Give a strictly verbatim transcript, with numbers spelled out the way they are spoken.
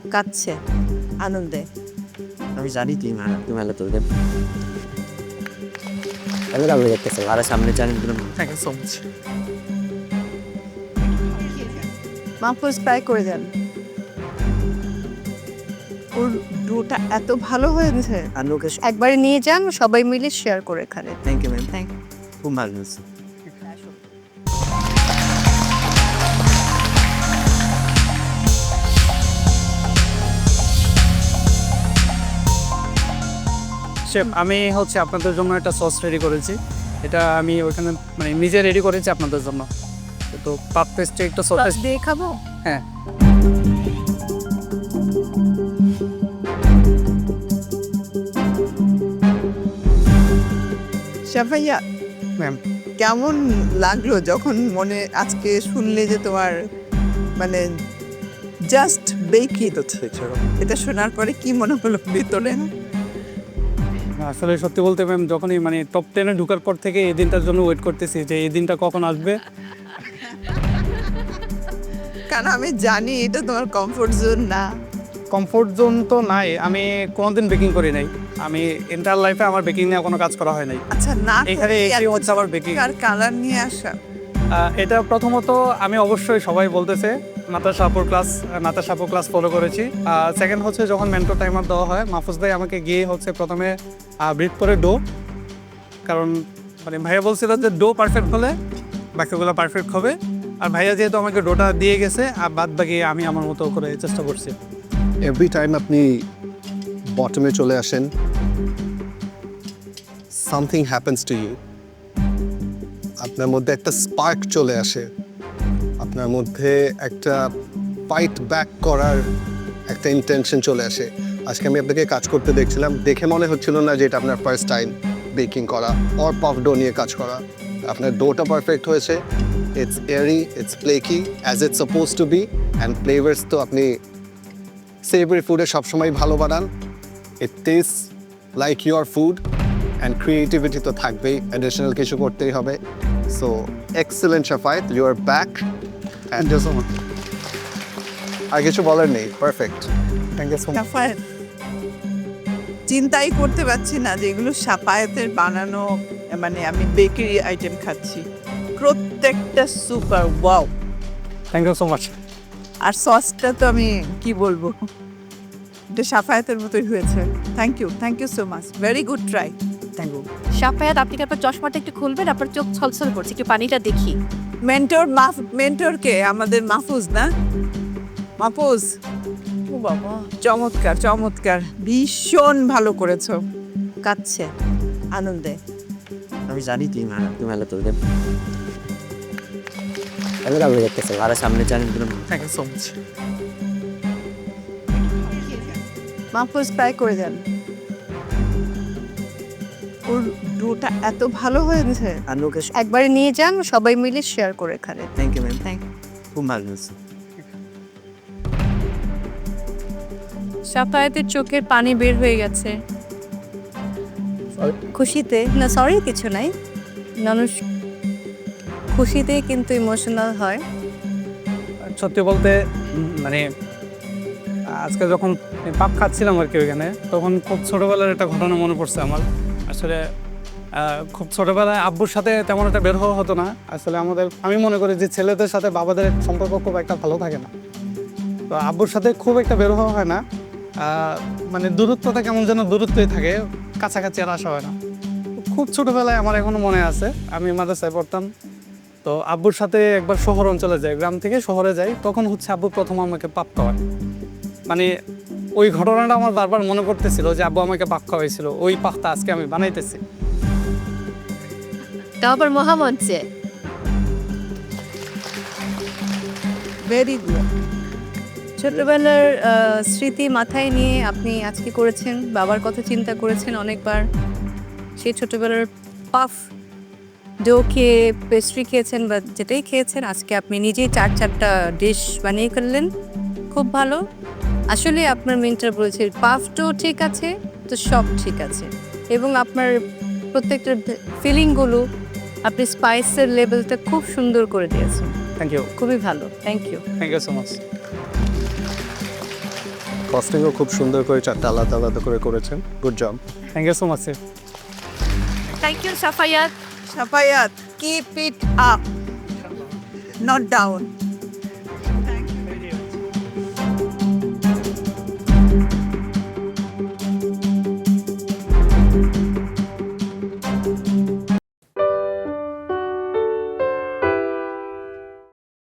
কাঁদছে আনন্দে। আমি জানি তুই মা তুমি ভালো তোদের আমি ভালো দেখতেছি আর সামনে জানি thank you so much. Mahfuz try করে দেন। ওর ডোটা এত ভালো হয়েছে, আর লোকে একবারে নিয়ে যান, সবাই মিলে শেয়ার করে খাবে। থ্যাংক ইউ ম্যাম, থ্যাংক খুব ভালো হয়েছে। শেফ, আমি হচ্ছে আপনাদের জন্য একটা সস রেডি করেছি। এটা আমি ওইখানে মানে নিজে রেডি করেছি আপনাদের জন্য। তো পাক পেস্টে একটা সস সস দিয়ে খাবো। হ্যাঁ, শাফাইয়া, ম্যাম। কেমন লাগলো যখন মনে আজকে শুনলে যে তোমার মানে জাস্ট বেকি তো এটা শোনার পরে কি মনে হলো ভিতরে? আসলে সত্যি বলতে ম্যাম, যখনই মানে টপ টেনে ঢোকার পর থেকে এই দিনটার জন্য ওয়েট করতেছি যে এই দিনটা কখন আসবে। কারণ আমি জানি এটা তোমার কমফোর্ট জোন না। কমফোর্ট জোন তো নাই, আমি কোনোদিন বেকিং করি নাই। আমি এন্টার লাইফে আমার বেকিং নিয়ে কোনো কাজ করা হয় নাই। আচ্ছা, না এখানে এসে হচ্ছে আবার বেকিং। আর কালার নিয়ে আসা আহ, এটা প্রথমত আমি অবশ্যই সবাই বলতেছে নাতাশা আপুর ক্লাস নাতাশা আপুর ক্লাস ফলো করেছি। সেকেন্ড হচ্ছে যখন মেন্টর টাইমার দেওয়া হয়, মাহফুজ ভাই আমাকে গিয়ে হচ্ছে প্রথমে ব্রিড করে ডো, কারণ মানে ভাইয়া বলছিল যে ডো পারফেক্ট হলে বাকিগুলো পারফেক্ট হবে। আর ভাইয়া যেহেতু আমাকে ডোটা দিয়ে গেছে, আর বাদ বাকি আমি আমার মতো করে চেষ্টা করছি। এভরি টাইম আপনি বটমে চলে আসেন, সামথিং হ্যাপেন্স টু ইউ, আপনার মধ্যে একটা স্পার্ক চলে আসে, আপনার মধ্যে একটা ফাইট ব্যাক করার একটা ইন্টেনশন চলে আসে। আজকে আমি আপনাকে কাজ করতে দেখছিলাম, দেখে মনে হচ্ছিল না যে এটা আপনার ফার্স্ট টাইম বেকিং করা অর পাফ ডো নিয়ে কাজ করা। আপনার ডোটা পারফেক্ট হয়েছে, it's airy, it's flaky as it's suppose to be, and flavours তো আপনি সেভারি ফুডে সবসময় ভালো বানান। It taste like your food, and creativity তো থাকবেই, অ্যাডিশনাল কিছু করতেই হবে। So excellent Shafayet, you are back and so much. আর কিছু বলার নেই, perfect. Thank you so much. Shafayet, চিন্তাই করতে পারছি না যে এগুলো শাফায়েতের বানানো, মানে আমি বেকারি আইটেম খাচ্ছি, প্রত্যেকটা super wow. Thank you so much. আর সসটা তো আমি কি বলবো, এটা শাফায়েতের মতোই হয়েছে। Thank you, thank you so much, very good try. Thank you. Shafayat, আপনি কি আপনার চশমাটা একটু খুলবেন? আপনার চোখ ছলছল করছে, একটু পানিটা দেখি। মেন্টর মাফ মেন্টরকে আমাদের মাহফুজ না, মাহফুজ, ও বাবা, চমৎকার চমৎকার, ভীষণ ভালো করেছো। কাঁদছে আনন্দে। আমি জানি তুই মা তুমি ভালো তোদের আমি ভালো দেখতেছি আর সামনে জানি thank you so much. Mahfuz try করে দেন। ওর ডোটা এত ভালো হয়েছে, আর লোকে একবারে নিয়ে যান, সবাই মিলে শেয়ার করে খাবে। থ্যাংক ইউ ম্যাম, থ্যাংক খুব ভালো হয়েছে। শাফায়াতের চোখের পানি বের হয়ে গেছে খুশিতে। না সরি, কিছু নাই, মানুষ খুশিতে কিন্তু ইমোশনাল হয়। সত্যি বলতে উম, মানে আজকে যখন পাপ খাচ্ছিলাম আর কি ওইখানে, তখন খুব ছোটোবেলার একটা ঘটনা মনে পড়ছে আমার। আসলে আহ, খুব ছোটোবেলায় আব্বুর সাথে তেমন একটা বের হওয়া হতো না। আসলে আমাদের আমি মনে করি যে ছেলেদের সাথে বাবাদের সম্পর্ক খুব একটা ভালো থাকে না, তো আব্বুর সাথে খুব একটা বের হওয়া হয় না। আহ, মানে দূরত্বটা কেমন যেন দূরত্বই থাকে, কাছাকাছি আর আসা হয় না। খুব ছোটোবেলায় আমার এখনও মনে আছে, আমি মাদ্রাসায় পড়তাম, তো আব্বুর সাথে একবার শহর অঞ্চলে যাই, গ্রাম থেকে শহরে যাই, তখন হচ্ছে আব্বু প্রথম আমাকে পাক খাওয়ায়। মানে ওই ঘটনাটা আমার বারবার মনে পড়তেছিল যে আব্বু আমাকে পাক খাওয়াইছিল, ওই পাকটা আজকে আমি বানাইতেছি। তাও আবার মহামঞ্চে। Very good. ছোটবেলার আহ, স্মৃতি মাথায় নিয়ে আপনি আজকে করেছেন, বাবার কথা চিন্তা করেছেন অনেকবার। সেই ছোটবেলার পাফ ডো খেয়ে, পেস্ট্রি খেয়েছেন বা যেটাই খেয়েছেন, আজকে আপনি নিজেই চার চারটা ডিশ বানিয়ে ফেললেন, খুব ভালো। আসলে আপনার মেন্টর বলেছে পাফ ডো ঠিক আছে তো সব ঠিক আছে, এবং আপনার প্রত্যেকটা ফিলিংগুলো, আপনি স্পাইসের লেভেলটা খুব সুন্দর করে দিয়েছেন। থ্যাংক ইউ, খুবই ভালো, thank you. Thank you so much. কস্টিংও খুব সুন্দর করে চারটা আলাদা আলাদা করে করেছেন, good job. Thank you so much sir. Thank you Shafayat. Shafayat, keep it up, not down.